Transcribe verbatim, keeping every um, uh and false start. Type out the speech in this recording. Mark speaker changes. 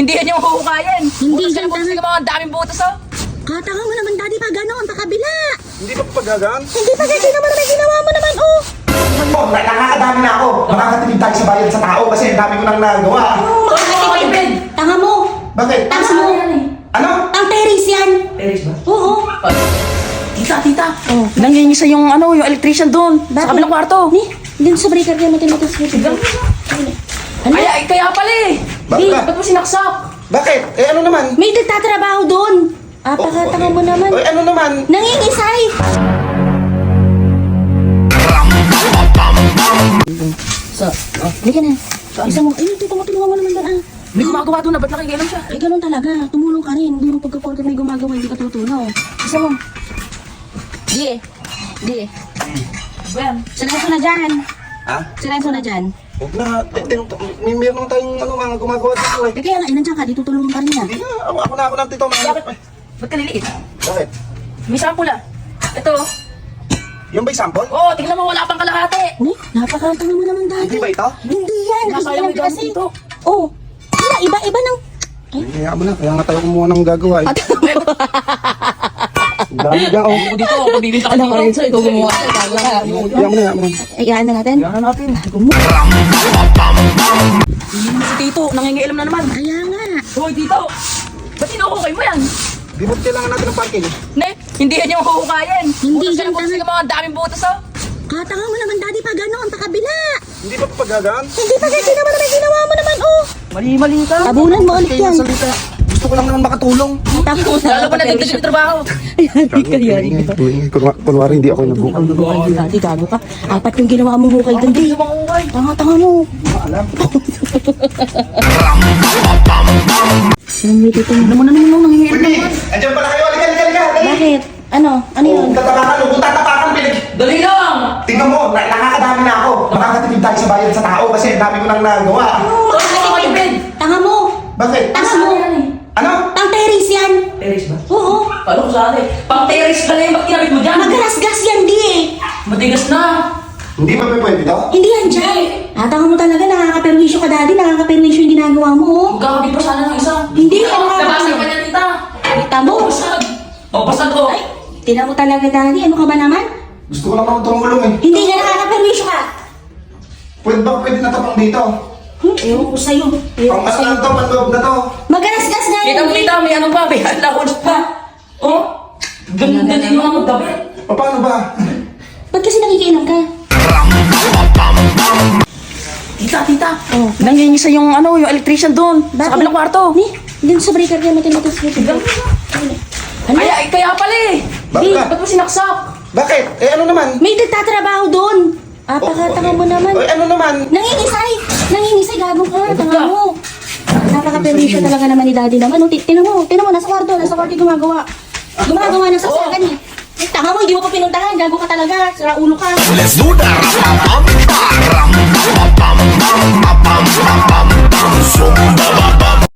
Speaker 1: Hindi yan yung huhukayin.
Speaker 2: Hindi
Speaker 1: Butas
Speaker 2: yan
Speaker 1: yan, butas
Speaker 2: talaga.
Speaker 1: yung mga daming butas oh.
Speaker 2: Katanga mo naman, daddy, pa ganon, pa kabila.
Speaker 3: Hindi pa pagagaan?
Speaker 2: Hindi pa kasi naman may ginawa mo naman, oh.
Speaker 3: Oh, nakakadami na ako. Makakatipid tayo sa bayan sa tao kasi ang dami ko nang nagawa.
Speaker 2: Oh, makakatipid. Tanga mo.
Speaker 3: Bakit?
Speaker 2: Tanga mo.
Speaker 3: Ano?
Speaker 2: Ang teres yan.
Speaker 1: Teres ba?
Speaker 2: Oo.
Speaker 1: Tita, tita.
Speaker 2: Oh.
Speaker 1: Nangingisa yung ano, yung electrician doon.
Speaker 2: Bakit?
Speaker 1: Sa kabilang kwarto.
Speaker 2: Ni, dun sa breaker kaya matinitas mo. Ano?
Speaker 1: Ay, ay, kaya pala eh.
Speaker 3: Bakit?
Speaker 1: Eh, ba't mo sinaksak?
Speaker 3: Bakit? Eh ano naman?
Speaker 2: May nagtatrabaho doon. Ah, pakatanga mo naman.
Speaker 3: Eh ano naman?
Speaker 2: Nangingisay.
Speaker 1: Sa, oh.
Speaker 2: Halika na. Isang mo, ayun, tito mo, tulungan mo naman doon, ah.
Speaker 1: May gumagawa doon na, ba't nakikialam siya?
Speaker 2: Eh, ganun talaga. Tumulong ka rin. Hindi mo pagka-porkat may gumagawa, hindi ka tutulong. Isa mo. Di. Di.
Speaker 1: Ben.
Speaker 2: Silenso na dyan.
Speaker 3: Ha?
Speaker 2: Silenso na dyan.
Speaker 3: Huwag na. Eh, tin- may meron tayong ano, mga gumagawa dito eh.
Speaker 2: Eh, kaya nga, eh, nandiyan ka. Di tutulungan ka rin yan.
Speaker 3: Hindi na. Ako, ako na ako lang tito. Mga...
Speaker 1: Bakit? Ba't ka liliit?
Speaker 3: Bakit?
Speaker 1: May sample ah. Ito.
Speaker 3: Yung ba'y sample?
Speaker 1: Oo, oh, tingnan mo, wala pang kalahati.
Speaker 2: Ni, napakatanga mo naman dati.
Speaker 3: Hindi ba ito?
Speaker 2: Hindi yan. Kasi
Speaker 1: Nakakaya mo
Speaker 2: alam
Speaker 1: yung
Speaker 2: kasi.
Speaker 1: dito.
Speaker 2: Oh. Wala, iba-iba ng...
Speaker 3: Kaya mo na. Kaya nga tayo kumuha ng gagawa eh. Dami dyan oh.
Speaker 1: Ako dito, ako bibinta ka
Speaker 2: Alam ko
Speaker 1: dito.
Speaker 2: rin, so ikaw gumawa.
Speaker 3: Kaya mo na. Kaya mo na.
Speaker 2: Iyaan na natin.
Speaker 1: Yan na natin. Hindi mo si Tito, nangingialam na naman.
Speaker 2: Kaya nga.
Speaker 1: Hoy, Tito. Ba't inuhukay mo yan?
Speaker 3: Di ba kailangan natin ng parking?
Speaker 1: Ne, hindi yan yung huhukayin.
Speaker 2: Hindi
Speaker 1: Butas
Speaker 2: yan
Speaker 1: yan, butas
Speaker 2: talaga.
Speaker 1: yung mga daming butas oh.
Speaker 2: Katanga mo naman, daddy, pa ganon, pa kabila.
Speaker 3: Hindi pa pagagaan?
Speaker 2: Hindi pa kasi naman may ginawa mo naman, oh.
Speaker 1: Mali-mali ka.
Speaker 2: Tabunan mo ulit
Speaker 3: Kayo
Speaker 2: yan.
Speaker 3: salita. Gusto ko lang naman makatulong.
Speaker 2: Tapos
Speaker 1: Lalo pa nagdagdag yung trabaho.
Speaker 2: Yari ka, yari ka.
Speaker 3: Kunwa- Kunwari hindi ako nagbuka.
Speaker 2: Ay, dati, gago ka. Apat yung ginawa mo hukay doon, di.
Speaker 1: Hindi mo huhukay.
Speaker 2: Tanga-tanga mo.
Speaker 3: Alam.
Speaker 2: Alam mo, dito.
Speaker 1: Ano mo na naman nung nangingialam
Speaker 3: Uy,
Speaker 1: naman?
Speaker 3: andyan pala kayo. Halika, halika, halika. Dali.
Speaker 2: Bakit? Ano? Ano yun?
Speaker 3: Kung tatapakan mo, kung tatapakan, pinig.
Speaker 1: Dali lang.
Speaker 3: Tingnan mo, na- nakakadami na ako. Makakatipid tayo sa bayan sa tao kasi ang dami ko nang nagawa.
Speaker 2: Oh, makakatipid. Tanga mo.
Speaker 3: Bakit?
Speaker 2: Tanga mo.
Speaker 3: Ano?
Speaker 2: Ang teres yan.
Speaker 1: Teres ba?
Speaker 2: Oo.
Speaker 1: Paano ko saan eh? Pang teres ka na yung ba't kinabit mo dyan?
Speaker 2: Magalas-gas yan, di eh.
Speaker 1: Matigas na.
Speaker 3: Hindi pa pwede to?
Speaker 2: Hindi yan dyan. Ah, tanga mo talaga, nakakaperwisyo ka, daddy. Nakakaperwisyo yung ginagawa mo, oh.
Speaker 1: Magkakabit pa sana ng isa.
Speaker 2: Hindi,
Speaker 1: Oh,
Speaker 2: ano?
Speaker 1: nabasag pa niya, tita.
Speaker 2: Kita mo.
Speaker 1: Oh, basag. Oh, basag oh.
Speaker 2: Ay, tinan mo talaga, daddy. Ano ka ba naman?
Speaker 3: Gusto ko lang naman tumulong eh.
Speaker 2: Hindi ka nakakaperwisyo ka.
Speaker 3: Pwede ba pwede na tapang dito?
Speaker 2: Hmm, ewan ko sa'yo. Ewan
Speaker 3: Pang
Speaker 2: ko
Speaker 3: ano
Speaker 2: sa'yo.
Speaker 3: lang to, panloob na to.
Speaker 2: Magalas-gas nga
Speaker 1: Kita
Speaker 2: yan,
Speaker 1: mo,
Speaker 2: di.
Speaker 1: tita, may ano pa, may alahos pa. Oh, ganda din yung mga magdabit.
Speaker 3: Pa- Paano ba?
Speaker 2: Ba't kasi nakikiinom ka?
Speaker 1: Tita, tita.
Speaker 2: Oh.
Speaker 1: Nangingisa yung ano, yung electrician doon.
Speaker 2: Bakit?
Speaker 1: Sa kabilang kwarto.
Speaker 2: Ni, dun sa breaker kaya matinitas mo. Ano?
Speaker 1: Ay, ay, kaya pala eh.
Speaker 3: Bakit?
Speaker 1: Di, ba't mo sinaksak?
Speaker 3: Bakit? Eh ano naman?
Speaker 2: May nagtatrabaho doon. Ah, pakatanga mo naman.
Speaker 3: Eh ano naman?
Speaker 2: Nangingisay! Nangingisay, gago ka, tanga mo. Napaka-perwisyo talaga naman ni daddy naman. Oh, ti- tinan mo, tinan mo, nasa kwarto, nasa kwarto yung gumagawa. Gumagawa ng saksakan eh. Eh, tanga mo, hindi mo pa pinuntahan, gago ka talaga, sira ulo ka.
Speaker 4: Let's do that.